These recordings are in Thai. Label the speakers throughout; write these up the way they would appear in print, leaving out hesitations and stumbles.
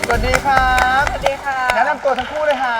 Speaker 1: สวัสดีครับ
Speaker 2: สวัสดีค่ะ
Speaker 1: แนะนำตัวทั้งคู่เลยฮะ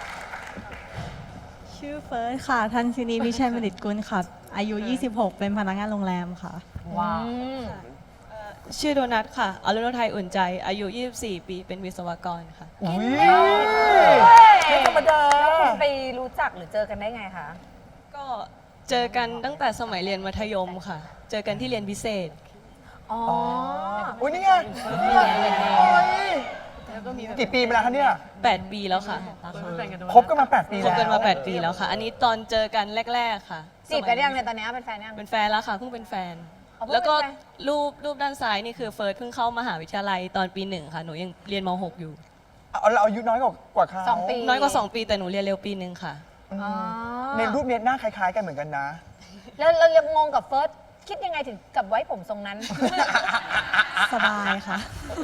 Speaker 3: ชื่อเฟิร์สค่ะทันซินีวิชัยมณิตกุลค่ะอายุ 26 เป็นพนักงานโรงแรมค่ะ
Speaker 2: ว้าว
Speaker 4: ชื่อโดนัทค่ะอรุณไทยอุ่นใจ อายุ 24 ปี เป็นวิศวกรค่ะ
Speaker 1: อุ้ย
Speaker 2: ไม่ธรรมดาแล้วคุณไปรู้จักหรือเจอกันได้ไงคะ
Speaker 4: ก็เจอกันตั้งแต่สมัยเรียนมัธยมค่ะ เจอกันที่เรียนพิเศษ
Speaker 2: อ๋อ
Speaker 1: อุ้ยนี่ไงโอ้ยกี่ปีมาแล้วคะเนี่ย
Speaker 4: 8 ปีแล้วค่ะ
Speaker 1: คบกันมา 8 ปี
Speaker 4: ค
Speaker 1: แล้ว
Speaker 4: บกันมา 8 ปีแล้วค่ะ อันนี้ตอนเจอกันแรก ๆ ค่ะ
Speaker 2: จีบกันยังเนี่ยตอนนี้เป็นแฟนยัง
Speaker 4: เป็นแฟนแล้วค่ะ เพิ่งเป็นแฟน
Speaker 2: อ๋อเพิ่งเป็นแฟน
Speaker 4: แล้วก็รูปด้านซ้ายนี่คือเฟิร์สเพิ่งเข้ามหาวิทยาลัยตอนปี 1 ค่ะ หนูยังเรียนม .6 อยู่
Speaker 1: เราอายุน้อยกว่าเขา
Speaker 2: 2 ปี
Speaker 4: น้อยกว่า 2 ปีแต่หนูเรียนเร็วปี 1 ค่ะ
Speaker 2: อ๋อ
Speaker 1: ในรูปเนี้ยหน้าคล้ายๆกันเหมือนกันนะ
Speaker 2: แล้วเรายังงงกับเฟิร์สคิดยังไงถึงกับไว้ผมทรงนั้น
Speaker 3: สบายค่ะ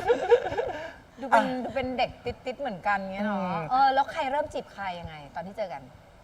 Speaker 2: ดูเป็นเด็กติดๆเหมือนกันเงี้ยเนาะแล้วใครเริ่มจีบใครยังไง ตอนที่เจอกัน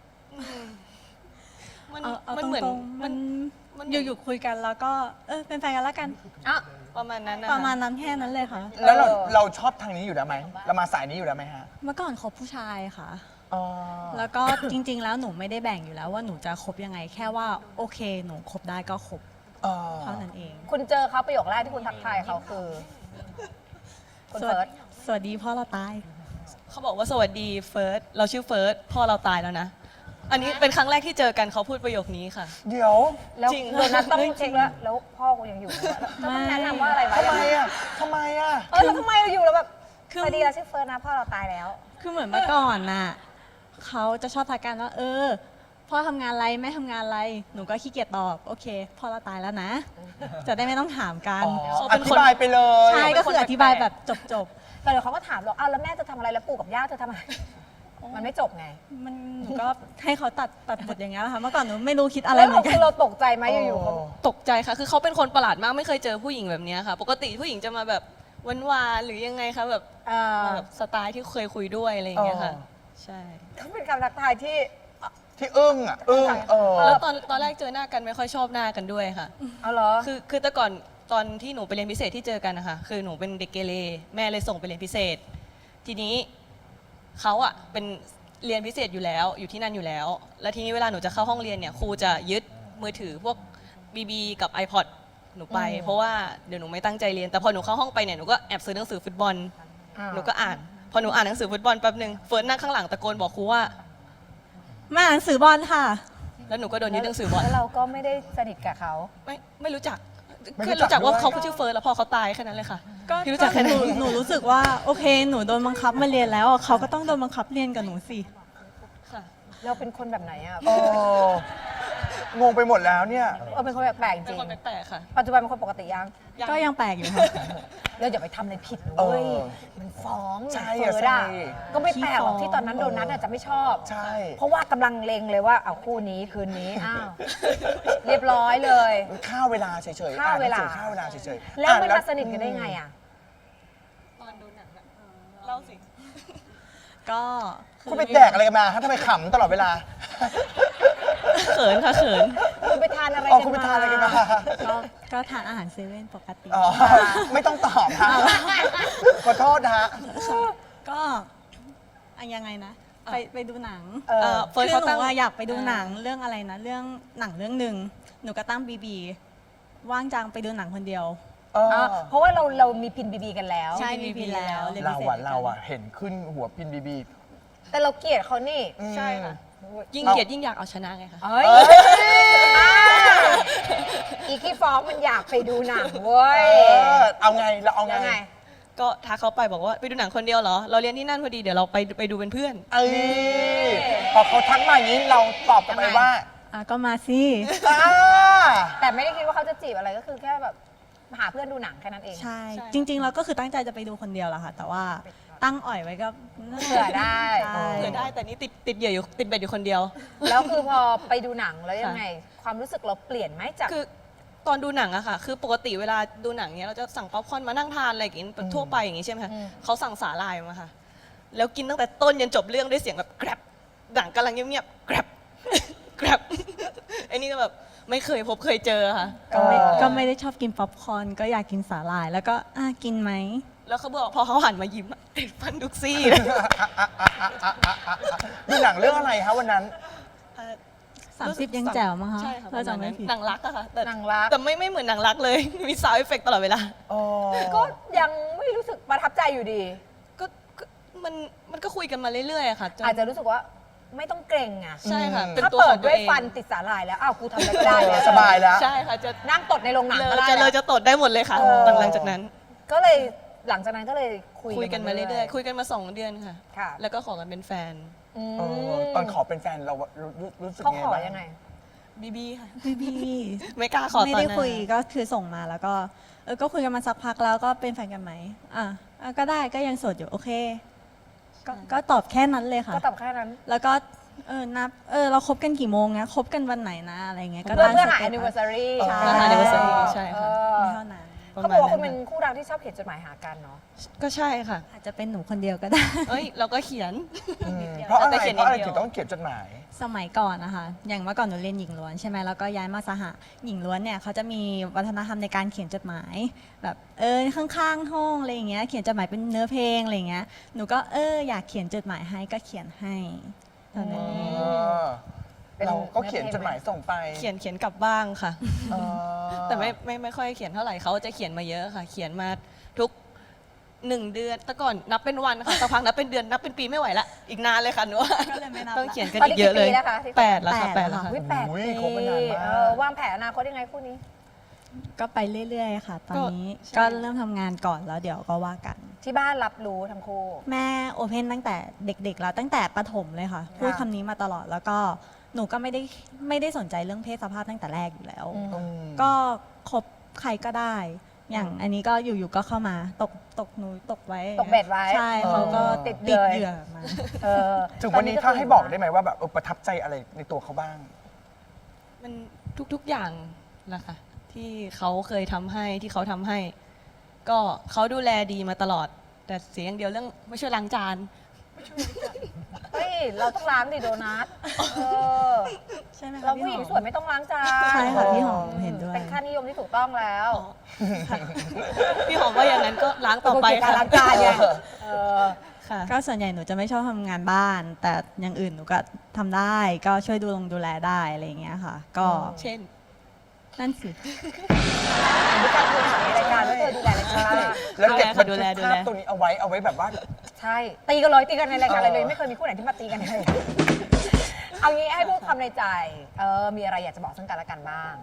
Speaker 4: มัน
Speaker 3: เอา
Speaker 4: มัน
Speaker 3: ต
Speaker 4: เหมือน
Speaker 3: รงๆ
Speaker 4: มั
Speaker 3: มัน นอยู่ๆคุยกันแล้วก็เป็นแฟนกันแล้วกัน
Speaker 2: อ่ะ
Speaker 4: ประมาณนั้นนะ
Speaker 3: ประมา
Speaker 4: คะ
Speaker 3: ณนั้นแค่นั้นเลยค่ะ
Speaker 1: แล้วเราชอบทางนี้อยู่แล้วไหม เรามาสายนี้อยู่แล้วไหมฮะ
Speaker 3: เมื่อก่อนคบผู้ชายค่ะ
Speaker 1: อ๋อ
Speaker 3: แล้วก็จริง ๆ แล้วหนูไม่ได้แบ่งอยู่แล้วว่าหนูจะคบยังไง แค่ว่าโอเคหนูคบได้ก็คบ
Speaker 1: อ๋อ
Speaker 3: เท่านั้นเอง
Speaker 2: คุณเจอเขาประโยคแรกที่คุณทักทายเขาคือ คุณเฟิร์ส
Speaker 3: สวัสดีพ่อเราตาย
Speaker 4: เขาบอกว่าสวัสดีเฟิร์ส เราชื่อเฟิร์ส พ่อเราตายแล้วนะ อันนี้เป็นครั้งแรกที่เจอกันเขาพูดประโยคนี้ค่ะ
Speaker 1: เดี๋ยว
Speaker 2: แล้ว
Speaker 4: จริง
Speaker 2: โดนัทต้องเช็คแล้วพ่อกูยังอยู่แล้วต้องแนะนำว่าอะไรวะ
Speaker 1: ทำไมอ่ะทำไมอ่ะ
Speaker 2: แล้วทำไมเราอยู่แล้วแบบ
Speaker 3: คือ
Speaker 2: สวัสดีเราชื่อเฟิร์สนะพ่อเราตายแล้ว
Speaker 3: คือเหมือนเมื่อก่อนน่ะเขาจะชอบทักกันว่าพ่อทำงานอะไรแม่ทำงานอะไร หนูก็ขี้เกียจตอบโอเคพ่อเราตายแล้วนะ จะได้ไม่ต้องถามกัน
Speaker 1: อ๋อ
Speaker 4: เขา
Speaker 1: อ
Speaker 4: เป็นคน
Speaker 1: ธิบายไปเลย
Speaker 3: ใช่ก็คืออธิบายแบบจบ
Speaker 2: แต่เดี๋ยวเขาก็ถามเราอ้าวแล้วแม่จะทำอะไรแล้วปู่กับย่าจะทำอะไร มันไม่จบไง
Speaker 3: ๆมันหนูก็ให้เขาตัดบทอย่างเงี้ยแหละค่ะเมื่อก่อนหนูไม่รู้คิดอะไร
Speaker 2: แล้ว
Speaker 3: เหมือนกั
Speaker 2: คื
Speaker 3: น
Speaker 2: อเราตกใจไหมอยู่ๆเขา
Speaker 4: ตกใจค่ะ คือเขาเป็นคนประหลาดมาก ไม่เคยเจอผู้หญิงแบบนี้ค่ะ ปกติผู้หญิงจะมาแบบหวานๆหรือยังไงคะแบบ มาแบบสไตล์ที่เคยคุยด้วยอะไรอย่างเงี้ยค่ะ ใช่
Speaker 2: ต้องเป็นคำทักทายที่
Speaker 1: ที่อึ้งอ่ะ อึ้งเ
Speaker 4: แล้วตอนแรกเจอหน้ากันไม่ค่อยชอบหน้ากันด้วยค่ะ
Speaker 2: เอาเหรอ
Speaker 4: คือแต่ก่อนตอนที่หนูไปเรียนพิเศษที่เจอกันนะคะคือหนูเป็นเด็กเกเรแม่เลยส่งไปเรียนพิเศษ ทีนี้เขาอะเป็นเรียนพิเศษอยู่แล้วอยู่ที่นั่นอยู่แล้ว แล้วทีนี้เวลาหนูจะเข้าห้องเรียนเนี่ยครูจะยึดมือถือพวกBB กับ iPod หนูไป เพราะว่าเดี๋ยวหนูไม่ตั้งใจเรียนแต่พอหนูเข้าห้องไปเนี่ยหนูก็แอบซื้อหนังสือฟุตบอล หนูก็อ่าน พอหนูอ่านหนังสือฟุตบอลแป๊บนึงเฟิร์สนั่งข้างหลังตะโกนบอกครูว่า
Speaker 3: มาอ่านหนังสือบอลค่ะ
Speaker 4: แล้วหนูก็โดนยึดหนังสือบอล
Speaker 2: แล้วเราก็ไม่ได้สนิทกับเขา
Speaker 4: ไม่รู้จัก
Speaker 1: ไม่
Speaker 4: แค่
Speaker 1: รู้จัก
Speaker 4: รู้จักว่า
Speaker 1: ด้วย
Speaker 4: เขาชื่อเฟิร์สแล้วพอเขาตายแค่นั้นเลยค่ะ
Speaker 3: ก็
Speaker 4: พี่รู้จักแค่
Speaker 3: ห
Speaker 4: นั้
Speaker 3: นู
Speaker 4: น
Speaker 3: หนูรู้สึกว่าโอเคหนูโดนบังคับมาเรียนแล้วอ่ะเขาก็ต้องโดนบังคับเรียนกับหนูสิ
Speaker 4: ค่ะ
Speaker 2: เราเป็นคนแบบไหนอ่ะ
Speaker 1: โอ้งงไปหมดแล้วเนี่ย
Speaker 2: เป็นคนแปลกๆจ
Speaker 4: เป็น
Speaker 2: ริง
Speaker 4: คนแปลกๆค่ะ
Speaker 2: ปัจจุบันเป็นคนปกติยัง
Speaker 3: ก็ยังแปลกอยู่ค่ะ
Speaker 2: เราอย่าไปทำอะไรผิดนะ
Speaker 1: เออ
Speaker 2: เว้ยมันฟ้อง
Speaker 1: ใช่
Speaker 2: เฟิ
Speaker 1: อะ
Speaker 2: ร์ส
Speaker 1: ใช่
Speaker 2: ก็ไม่แปลกหรอก
Speaker 3: ขี้ฟ้อง
Speaker 2: ที่ตอนนั้นโดนัทอาจจะไม่ชอบ
Speaker 1: ใช่
Speaker 2: เพราะว่ากำลังเลงเลยว่าเอาคู่นี้คืนนี้อ้าวเรียบร้อยเลย
Speaker 1: ฆ่าเวลาเฉยๆ
Speaker 2: ฆ่าเวลา
Speaker 1: ฆ่าเวลาเฉยๆ
Speaker 2: แล้วมัน
Speaker 1: อ่
Speaker 2: มาสนิทกันได้ไงอ่ะ
Speaker 4: ตอนดูหนังอะเล่าสิ
Speaker 3: ก็
Speaker 1: คุณไปแดกอะไรกันมาฮะทำไมขำตลอดเวลา
Speaker 4: เขินค่ะเขิน
Speaker 2: คุณไปทานอะไร
Speaker 1: อ๋อ
Speaker 2: กัน
Speaker 1: คุณไป
Speaker 2: มา
Speaker 1: ทานอะไรกันมา
Speaker 3: ก็ทานอาหารเซเว่นปกติ
Speaker 1: อ๋อ ไม่ต้องตอบฮะขอโทษนะฮะ
Speaker 3: ก็ยังไงนะ ไปดูหนัง
Speaker 4: เฟิร์ส
Speaker 3: คือ
Speaker 4: เขา
Speaker 3: หนู
Speaker 4: ตั้ง
Speaker 3: อะอยากไปดูหนังเรื่องอะไรนะเรื่องหนังเรื่องหนึ่งหนูก็ตั้งบีว่างจังไปดูหนังคนเดียว
Speaker 2: เพราะว่าเรามีพินบีบีกันแล้ว
Speaker 3: ใช่มีพีแล้วรียน
Speaker 1: เรา
Speaker 3: พิศษ
Speaker 1: อะเราอะเห็นขึ้นหัวพินบีบี
Speaker 2: แต่เราเกลียดเขานี่
Speaker 4: ใช่ค่ะ ยิ่งเกลียดยิ่งอยากเอาชนะไงคะ
Speaker 2: เอ้ยอีขี้ฟ้องมันอยากไปดูหนังเว้ย
Speaker 1: เอาไงเราเอาไง
Speaker 2: ยังไง
Speaker 4: ก็ทักเขาไปบอกว่าไปดูหนังคนเดียวเหรอ เราเรียนที่นั่นพอดีเดี๋ยวเราไปดูเป็นเพื่อน
Speaker 1: เอ้ยพอเขาทักมาอย่างนี้เราตอบกลับไปว่า
Speaker 3: ก็มาสิ
Speaker 1: อ่า
Speaker 2: แต่ไม่ได้คิดว่าเขาจะจีบอะไรก็คือแค่แบบหาเพื่อนดูหนังแค่นั้นเอง
Speaker 3: ใช่
Speaker 4: ใช่
Speaker 3: จริงๆเราก็คือตั้งใจจะไปดูคนเดียวแหละค่ะ แต่ว่าตั้งอ่อยไว้ก็
Speaker 2: เผื่อได้
Speaker 3: ใช่
Speaker 4: เผื่อได้แต่นี่ติดเหยื่ออยู่ติดเบ็ดอยู่คนเดียว
Speaker 2: แล้วคือพอไปดูหนังแล้วยังไง ความรู้สึกเราเปลี่ยนไหมจาก
Speaker 4: คือตอนดูหนังอะค่ะ คือปกติเวลาดูหนังเนี้ยเราจะสั่งป๊อปคอร์นมานั่งทานอะไรอย่างงี้ทั่วไปอย่างงี้ใช่ไหมคะเขาสั่งสาหร่ายมาค่ะ แล้วกินตั้งแต่ต้นยันจบเรื่องด้วยเสียงแบบแกรบหนังกำลังเงียบๆแกรบ แกรบไอ้นี่ก็แบบไม่เคยพบเคยเจอค่ะ
Speaker 3: ก็ไม่ได้ชอบกินป๊อปคอร์นก็อยากกินสาหร่าย แล้วก็กินไหม
Speaker 4: แล้วเขาบอกพอเขาหันมายิ้มอะติดฟันทุกซี่
Speaker 1: ดูหนังเรื่องอะไรคะวันนั้น
Speaker 3: 30 ยังแจ๋วมั้งคะ
Speaker 4: ใช่ค่ะ
Speaker 3: ถ้าจำไม่ผิด
Speaker 4: หนังรักอะค่ะแต่
Speaker 2: หนังรัก
Speaker 4: แต่ไม่เหมือนหนังรักเลย มีซาวด์เอฟเฟกต์ตลอดเวลา
Speaker 1: อ๋อ
Speaker 2: ก็ยังไม่รู้สึกประทับใจอยู่ดี
Speaker 4: ก็มันก็คุยกันมาเรื่อยๆอะค่ะจน
Speaker 2: อาจจะรู้สึกว่าไม่ต้องเกรงอ่ะ
Speaker 4: ใช่ค่ะ เป็น
Speaker 2: ถ้า
Speaker 4: ตัว
Speaker 2: เปิ
Speaker 4: ข
Speaker 2: ด
Speaker 4: องตั
Speaker 2: ด้
Speaker 4: ว
Speaker 2: วย
Speaker 4: เอง
Speaker 2: ฟันติดสาหร่ายแล้วอ้าวกูทำอะไรก็ได้แล้ว
Speaker 1: สบายแล้ว
Speaker 4: ใช่ค่ะจะ
Speaker 2: นั่งตดในโรงหนังก็ได้
Speaker 4: เล
Speaker 2: แล้ว
Speaker 4: จะตดได้หมดเลยค่ะ
Speaker 2: เออ
Speaker 4: หลังจากนั้น
Speaker 2: ก็เลยหลังจากนั้นก็เลยคุ
Speaker 4: คุยกันมาเรื่อยๆคุยกันมา2 เดือนค่ะ
Speaker 2: ค่ะ
Speaker 4: แล้วก็ขอกันเป็นแฟน
Speaker 2: อืม
Speaker 1: เออตอนขอเป็นแฟนเรารู้สึก
Speaker 2: เขา
Speaker 1: ไง
Speaker 2: ขอ
Speaker 1: บ้าง
Speaker 2: ยังไง
Speaker 4: บีบีค่ะ
Speaker 3: พี่
Speaker 4: ไม่กล้าขอตอน
Speaker 3: ไม่
Speaker 4: นั้น
Speaker 3: ได้คุยก็คือส่งมาแล้วก็ก็คุยกันมาสักพักแล้วก็เป็นแฟนกันไหมก็ได้ก็ยังโสดอยู่โอเคก็ตอบแค่นั้นเลยค่ะ
Speaker 2: ก็ตอบแค่นั้น
Speaker 3: แล้วก็นับเราคบกันกี่โมงนะคบกันวันไหนนะอะไรเงี้ยก็
Speaker 2: เพื่อ
Speaker 3: ตั้ง
Speaker 2: เพื่อหา
Speaker 3: สเตตัส
Speaker 2: anniversary
Speaker 3: ใช่
Speaker 4: เพื่อหา anniversary ใช่ค่ะ
Speaker 3: เท่านั้น
Speaker 2: เขาบอกว่าคุณเป็นคู่รักที่ชอบเขียนจดหมายหากันเนาะ
Speaker 4: ก็ใช่ค่ะ
Speaker 3: อาจจะเป็นหนูคนเดียวก็ได้
Speaker 4: เอ้ยเราก็เขียน
Speaker 1: อืมเพราะอะไร
Speaker 4: แต่เขียน
Speaker 1: เพราะอะไร
Speaker 4: นิดเดียว
Speaker 1: ถึงต้องเขียนจดหมาย
Speaker 3: สมัยก่อนนะคะ อย่างเมื่อก่อนหนูเรียนหญิงล้วนใช่ไหมแล้วก็ย้ายมาสหะหญิงล้วนเนี่ยเขาจะมีวัฒนธรรมในการเขียนจดหมาย แบบข้างๆห้องอะไรอย่างเงี้ย เขียนจดหมายเป็นเนื้อเพลงอะไรอย่างเงี้ย หนูก็อยากเขียนจดหมายให้ก็เขียนให้ตอนนั้น
Speaker 2: เป็น
Speaker 1: เราก็เขียนจดหมายส่งไป
Speaker 4: เขียนกลับบ้างค่ะ
Speaker 1: เออ
Speaker 4: แต่ไม่ค่อยเขียนเท่าไหร่เขาจะเขียนมาเยอะค่ะ เขียนมาทุก1 เดือนแต่ก่อนนับเป็นวันค่ะสักพักนับเป็นเดือนนับเป็นปีไม่ไหวละอีกนานเลยค่ะหนูว่า
Speaker 3: ก็เลยไม่นับ
Speaker 4: ต้องเขียนกัน
Speaker 2: ตอน
Speaker 4: อี
Speaker 2: นี้
Speaker 4: กเยอะเลย
Speaker 2: กี่ปีแล้วคะที่
Speaker 4: 8แล้วค่ะ
Speaker 3: แปด
Speaker 4: 8แล้วค่ะ
Speaker 2: วิแปด
Speaker 1: อุ้
Speaker 2: ปี
Speaker 1: ยคบมานานมาก
Speaker 2: วางแผนอนาคตยังไงคู่นี้
Speaker 3: ก็ไปเรื่อยๆค่ะ ตอนนี้
Speaker 4: ใช่
Speaker 3: ก็เริ่มทำงานก่อนแล้วเดี๋ยวก็ว่ากัน
Speaker 2: ที่บ้านรับรู้ทั้งคู่
Speaker 3: แม่โอเพนตั้งแต่เด็กๆแล้วตั้งแต่ประถมเลยค่ะ พูดคำนี้มาตลอดแล้วก็หนูก็ไม่ได้สนใจเรื่องเพศสภาพตั้งแต่แรกอยู่แล้ว
Speaker 2: อืม
Speaker 1: อืม
Speaker 3: ก็คบใครก็ได้ อย่างอันนี้ก็อยู่ๆก็เข้ามาตกหนูตกไว้
Speaker 2: ตกเบ็ดไว้
Speaker 3: ใช่เขาก็
Speaker 2: ติ
Speaker 3: ติ
Speaker 2: ด
Speaker 3: ด
Speaker 2: เลย
Speaker 3: เหยื่อมา
Speaker 2: เออ
Speaker 1: ถึงวันนี้ถ้าให้บอกได้ไหมว่าแบบประทับใจอะไรในตัวเขาบ้าง
Speaker 4: มันทุกๆอย่างแหละค่ะ ที่เขาเคยทำให้ที่เขาทำให้ ก็เขาดูแลดีมาตลอด แต่เสียอย่างเดียวเรื่องไม่ช่วยล้างจาน
Speaker 2: เฮ้ยเราต้องล้างดิโดนัทเออ
Speaker 3: ใช่ไหมคะ
Speaker 2: เรา
Speaker 3: พี่
Speaker 2: ผู้หญิง
Speaker 3: หอม
Speaker 2: สวยไม่ต้องล้างจาน
Speaker 3: ใช่ค่ะพี่หอมเห็นด้วย
Speaker 2: เป็นค่านิยมที่ถูกต้องแล้ว
Speaker 4: พี่หอมว่าอย่างนั้นก็ล้างต่อไป
Speaker 2: การ
Speaker 4: ค่ะ
Speaker 2: ล้างจานไงเออ
Speaker 4: ค่ะ
Speaker 3: ก็ส่วนใหญ่หนูจะไม่ชอบทำงานบ้าน แต่อย่างอื่นหนูก็ทำได้ก็ช่วยดูแลได้อะไรอย่างเงี้ยค่ะ ก็
Speaker 4: เช่น
Speaker 3: นั่นสิ
Speaker 2: มีการคุยในรายการว่าเธอดูแลรายการ
Speaker 1: แล้วเก็บบัน
Speaker 4: ดู
Speaker 1: ทึก
Speaker 4: แล
Speaker 1: ภาพตรงนี้เอาไว้แบบว่า
Speaker 2: ใช่ ตีกันเลยตีกันในรายการอะไรเลยไม่เคยมีคู่ไหนที่มาตีกันเลยเอางี้ให้พูดคำในใจ มีอะไรอยากจะบอกซึ่งกันและกันบ้าง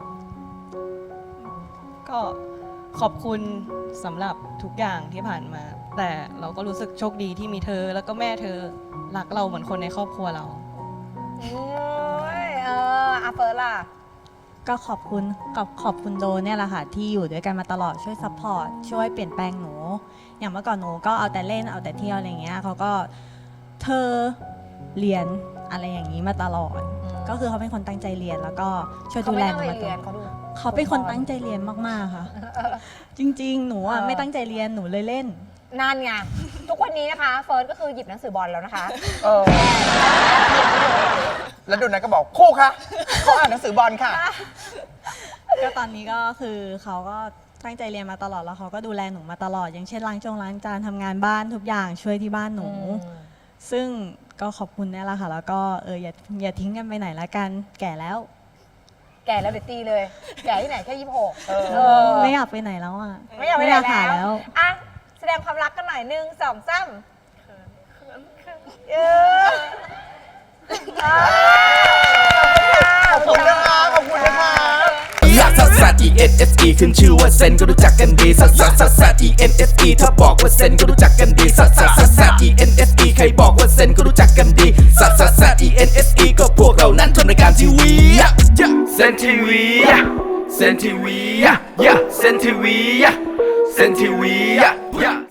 Speaker 4: ก็ขอบคุณสำหรับทุกอย่างที่ผ่านมา แต่เราก็รู้สึกโชคดีที่มีเธอ แล้วก็แม่เธอรักเราเหมือนคนในครอบครัวเรา
Speaker 2: โอ้ยอาเฟิร์สล่ะ
Speaker 3: ก็ขอบคุณโดเนี่ยแหละค่ะ ที่อยู่ด้วยกันมาตลอดช่วยซัพพอร์ตช่วยเปลี่ยนแปลงหนู อย่างเมื่อก่อนหนูก็เอาแต่เล่นเอาแต่เที่ยวอะไรอย่างเงี้ยเขาก็เธอเรียนอะไรอย่างนี้มาตลอด ก็คือเขาเป็นคนตั้งใจเรียนแล้วก็ช่วย
Speaker 2: เขา
Speaker 3: ดู
Speaker 2: ไม่
Speaker 3: แล
Speaker 2: ตั้
Speaker 3: ห
Speaker 2: ง
Speaker 3: นู
Speaker 2: ใจ
Speaker 3: มาต
Speaker 2: เรี
Speaker 3: ล
Speaker 2: ย
Speaker 3: อน ด
Speaker 2: เขาดู
Speaker 3: เขาเป็นคนตั้งใจเรียนมากๆค่ะ จริง ๆ หนูอ่ะไม่ตั้งใจเรียนหนูเลยเล่น
Speaker 2: นานไงทุกวันนี้นะคะ เฟิร์สก็คือหยิบหนังสือบอลแล้วนะคะ
Speaker 1: เออ แล้วดูนั้นก็บอกคู่คะเขาอ่านหนังสือบอลค่ะ
Speaker 3: ก็ตอนนี้ก็คือเขาก็ตั้งใจเรียนมาตลอดแล้วเขาก็ดูแลหนูมาตลอด อย่างเช่นล้างจานทำงานบ้านทุกอย่างช่วยที่บ้านหนู ซึ่งก็ขอบคุณเนี่ยแหละค่ะ แล้วก็อย่าทิ้งกันไปไหนละกันแก่แล้ว
Speaker 2: แก่แล้วเดี๋ยวตีเลย แก่ที่ไหนแค่26
Speaker 1: เออ
Speaker 3: ไม่อยากไปไหนแล้วอ่ะ
Speaker 2: ไม่อยากไปไหน
Speaker 3: หา
Speaker 2: แล้วอ่ะแสดงความรักกันหน่อย1 2 3เออ
Speaker 1: ขอบคุณนะคะขอบคุณนะคะ
Speaker 5: ลักซัสซัส E N S E ขึ้นชื่อว่าเซนก็รู้จักกันดีซัสซัสซัสซัส E N S E ถ้าบอกว่าเซนก็รู้จักกันดีซัสซัสซัสซัส E N S E ใครบอกว่าเซนก็รู้จักกันดีซัสซัสซัส E N S E ก็พวกเรานั้นทำรายการทีวีเซนทีวีเซนทีวีเซนทีวีเซนทีวี